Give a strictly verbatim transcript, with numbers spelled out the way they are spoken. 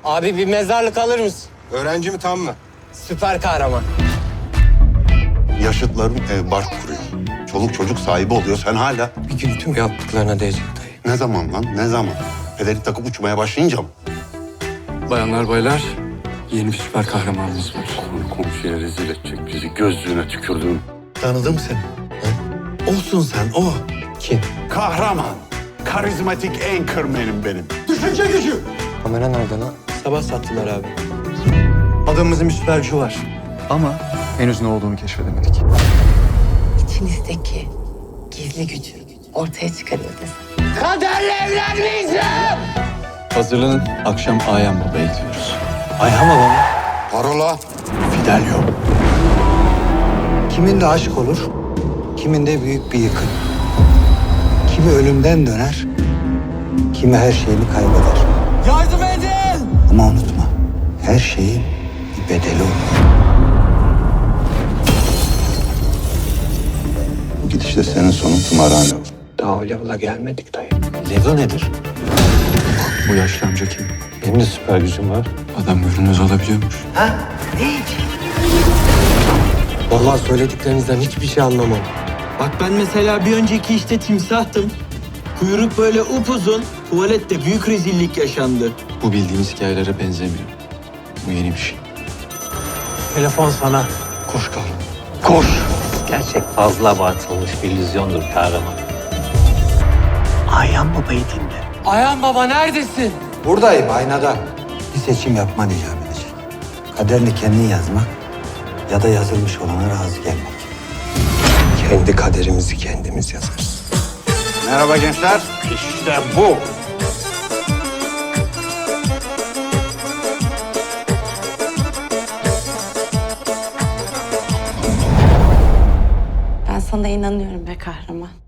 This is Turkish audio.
Abi bir mezarlık alır mısın? Öğrenci mi tam mı? Süper kahraman. Yaşıtların ev bark kuruyor. Çoluk çocuk sahibi oluyor. Sen hala Bir gün tüm yaptıklarına değecek dayı. ne zaman lan? Ne zaman? Peleri takıp uçmaya başlayınca mı? Bayanlar baylar, yeni bir süper kahramanımız var. Konu komşuya rezil edecek bizi. Gözlüğüne tükürdüm. Tanıdım seni. Ha? Olsun sen o. Kim? Kahraman. Karizmatik anchorman'im benim. Kamera nerede lan? Sabah sattılar abi. Adamımızın bir süper gücü var. Ama henüz ne olduğunu keşfedemedik. İçinizdeki gizli gücü ortaya çıkarıyor desem. Kaderle evlenmeyeceğim! Hazırlanın, akşam Ayhan Baba'ya gidiyoruz. Ayhan baba mı? Parola. Fidelio. Kimin de aşk olur, kimin de büyük bir yıkım. Kimi ölümden döner, kimi her şeyini kaybeder. Yardım edin! Ama unutma, her şeyin bir bedeli olur. Bu gidişte senin sonun tımarhane olur. Daha o level'a gelmedik dayı. Level nedir? Bu yaşlı amca kim? Benim de süper gücüm var. Adam görünmez olabiliyormuş. Vallahi söylediklerinizden hiçbir şey anlamam. Bak ben mesela bir önceki işte timsahtım. Kuyruk böyle upuzun, tuvalette büyük rezillik yaşandı. Bu bildiğimiz hikayelere benzemiyor. Bu yeni bir şey. Telefon sana. Koş kahraman. Koş! Gerçek fazla abartılmış bir illüzyondur kahraman. Ayhan Baba'yı dinle. Ayhan baba neredesin? Buradayım, aynada. Bir seçim yapman icap edecek. Kaderini kendin yazmak ya da yazılmış olana razı gelmek. Kendi kaderimizi kendimiz yazarız. Merhaba gençler. İşte bu. Ben sana inanıyorum be kahraman.